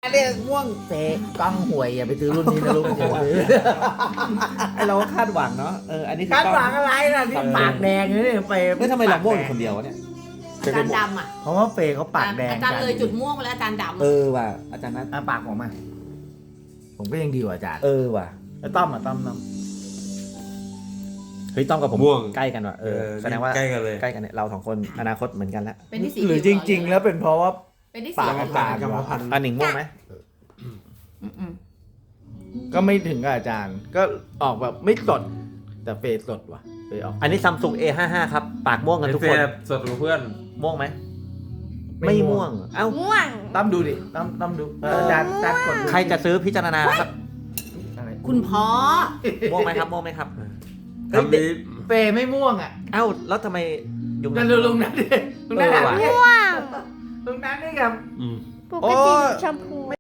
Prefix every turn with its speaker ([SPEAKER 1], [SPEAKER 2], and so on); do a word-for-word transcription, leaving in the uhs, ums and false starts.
[SPEAKER 1] อันนี้ม่วงเตะกล้องหวยอย่าไปซื้อรุ่นนี้นะลูกอย่าซื้อ
[SPEAKER 2] ไอเราก็คาดหวังเนาะเอออันนี้คือ
[SPEAKER 1] คาดหวังอะไรล่ะนี่ปากแดงเลยเนี่ยเฟย์
[SPEAKER 2] เฮ้ยทำไมเราม่วงอยู่คนเดียววะเนี่ย
[SPEAKER 3] อาจารย์ดำอ่ะ
[SPEAKER 1] เพราะว่าเฟย์เขาปากแดง
[SPEAKER 3] อาจารย์เลยจุดม่วงไปแล้วอาจารย์ดำ
[SPEAKER 2] เออว่ะอาจารย์นัท
[SPEAKER 1] อ่ะปากผมมาผมก็ยังดีกว่าอาจารย์
[SPEAKER 2] เออว่ะ
[SPEAKER 1] แล้วต้อมอ่ะต้อมต้อม
[SPEAKER 2] เฮ้ยต้องกับผม
[SPEAKER 4] ม่วง
[SPEAKER 2] ใกล้กันว่ะเออแสดงว่า
[SPEAKER 4] ใกล้กันเลย
[SPEAKER 2] ใกล้กันเนี่ยเราสองคนอนาคตเหมือนกันแล้ว
[SPEAKER 3] เป็นที่สี
[SPEAKER 1] หรือจริง ๆ แล้วเป็นเพราะว่า
[SPEAKER 3] เป็นที่
[SPEAKER 1] ปา
[SPEAKER 3] สี
[SPEAKER 1] กอาจารย์
[SPEAKER 4] กรรมพันธุ์
[SPEAKER 2] อันหนิงม่วงไหม
[SPEAKER 3] อืม
[SPEAKER 1] ก็ไม่ถึงกับอาจารย์ ก็ออกแบบไม่สดแต่เฟย์สดว่ะเฟย์ออก
[SPEAKER 2] อันนี้ซัมซุง เอ ห้าสิบห้า ครับปากม่วงกันทุกคน
[SPEAKER 4] สดกับเพื่อน
[SPEAKER 2] ม่วงไหมไม่ม่วงเอ้า
[SPEAKER 5] ม่วง
[SPEAKER 1] ต้อมดูดิต้อมต้อมดูเอออาจารย์อาจารย์กดดู
[SPEAKER 2] ใครจะซื้อพิจารณาครับ
[SPEAKER 1] อะไร
[SPEAKER 3] คุณพ่อ
[SPEAKER 2] ม่วงไหมครับม่วงไหมครับ
[SPEAKER 4] คำนี้
[SPEAKER 1] เฟย์ไม่ม่วงอ่ะ
[SPEAKER 2] เอ้าแล้วทำไมยุง
[SPEAKER 1] นั่นดูลุงนั้นดิลุงนั้น
[SPEAKER 2] เออว่ะ
[SPEAKER 1] ดิ
[SPEAKER 5] ม่วง
[SPEAKER 1] ลุงนั้นนี่ครับ
[SPEAKER 4] อืม
[SPEAKER 5] ปกติชมพู
[SPEAKER 1] ไม่